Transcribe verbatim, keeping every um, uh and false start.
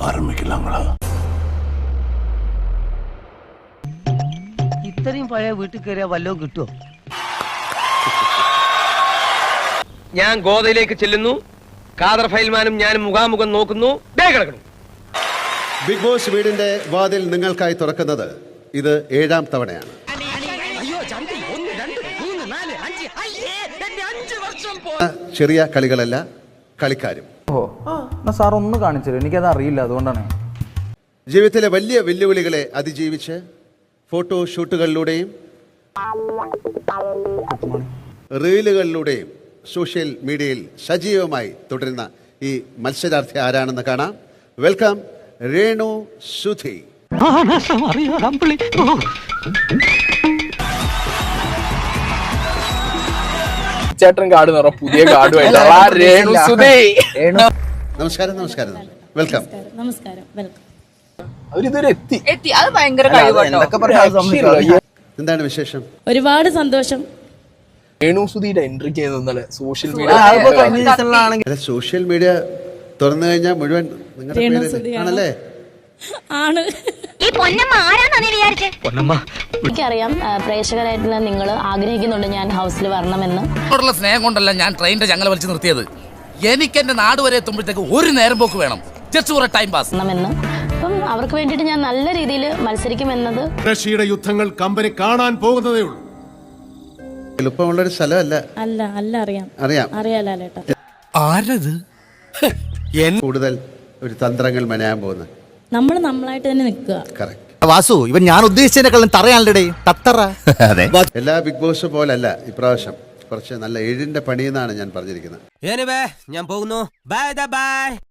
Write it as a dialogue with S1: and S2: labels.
S1: ആരംഭിക്കലാങ്ങളാ.
S2: ഇത്രയും പഴയ വീട്ടിൽ കയറിയാ വല്ലതും കിട്ടുമോ?
S3: ഞാൻ ഗോതയിലേക്ക് ചെല്ലുന്നു. ഖാദർ ഫൈൽമാനും ഞാനും മുഖാമുഖം നോക്കുന്നു. ദേ കിടക്കുന്നു.
S4: ബിഗ് ബോസ് വീടിന്റെ വാതിൽ നിങ്ങൾക്കായി തുറക്കുന്നത് ഇത് ഏഴാം തവണയാണ്. ചെറിയ കളികളല്ല, കളിക്കാരും.
S5: ഓ സാർ ഒന്ന് കാണിച്ചു, എനിക്കത് അറിയില്ല, അതുകൊണ്ടാണ്.
S4: ജീവിതത്തിലെ വലിയ വെല്ലുവിളികളെ അതിജീവിച്ച് ഫോട്ടോ ഷൂട്ടുകളിലൂടെയും റീലുകളിലൂടെയും സോഷ്യൽ മീഡിയയിൽ സജീവമായി തുടരുന്ന ഈ മത്സരാർത്ഥി ആരാണെന്ന് കാണാം. വെൽക്കം രേണു സുധി.
S6: ചേട്ടൻ കാർഡ് നിറ പുതിയ കാർഡുമായിട്ട്
S4: നമസ്കാരം. നമസ്കാരം. വെൽക്കം.
S7: നമസ്കാരം. വെൽക്കം.
S6: അവരിതുവരെ എത്തി
S7: എത്തി അത് ഭയങ്കര
S4: എന്താണ് വിശേഷം?
S7: ഒരുപാട് സന്തോഷം.
S6: രേണു സുധിയുടെ എൻട്രി ചെയ്ത് ഇന്നലെ സോഷ്യൽ മീഡിയ
S4: സോഷ്യൽ മീഡിയ തുറന്നു കഴിഞ്ഞാൽ മുഴുവൻ നിങ്ങളുടെ പേര് ആണല്ലേ?
S7: ആണ്.
S8: എനിക്കറിയാം പ്രേക്ഷകരായിട്ടുള്ള നിങ്ങൾ ആഗ്രഹിക്കുന്നുണ്ട് ഞാൻ ഹൗസിൽ വരണമെന്ന്.
S9: സ്നേഹം കൊണ്ടല്ല ഞാൻ ട്രെയിനിന്റെ ചങ്ങല വലിച്ചു നിർത്തിയത്. എനിക്ക് എന്റെ നാട് വരെ എത്തുമ്പോഴത്തേക്ക് ഒരു നേരം പോക്ക് വേണം, ജസ്റ്റ് ഫോർ ടൈം പാസ്
S8: എന്ന്. അപ്പം അവർക്ക് വേണ്ടിയിട്ട് ഞാൻ നല്ല രീതിയിൽ മത്സരിക്കുമെന്നത്.
S1: റഷ്യയുടെ യുദ്ധങ്ങൾ കമ്പനി കാണാൻ പോകുന്നതേ ഉള്ളൂ.
S4: എളുപ്പമുള്ളൊരു സ്ഥലമല്ല.
S7: അല്ല അല്ല അറിയാം
S4: അറിയാം
S7: അറിയാലേട്ടാ.
S9: ആരത്?
S4: കൂടുതൽ ഒരു തന്ത്രങ്ങൾ മെനയാൻ പോകുന്നത്
S7: നമ്മൾ നമ്മളായിട്ട് തന്നെ നിൽക്കുക.
S4: കറക്റ്റ്.
S5: വാസു, ഇവൻ ഞാൻ ഉദ്ദേശിച്ചതിനെക്കാളും തറയാണല്ലേ തത്തറ.
S4: എല്ലാ ബിഗ് ബോസ് പോലല്ല ഇപ്രാവശ്യം. കുറച്ച് നല്ല ഏഴിന്റെ പണിയെന്നാണ് ഞാൻ പറഞ്ഞിരിക്കുന്നത്.
S2: ഞാൻ പോകുന്നു. Bye by.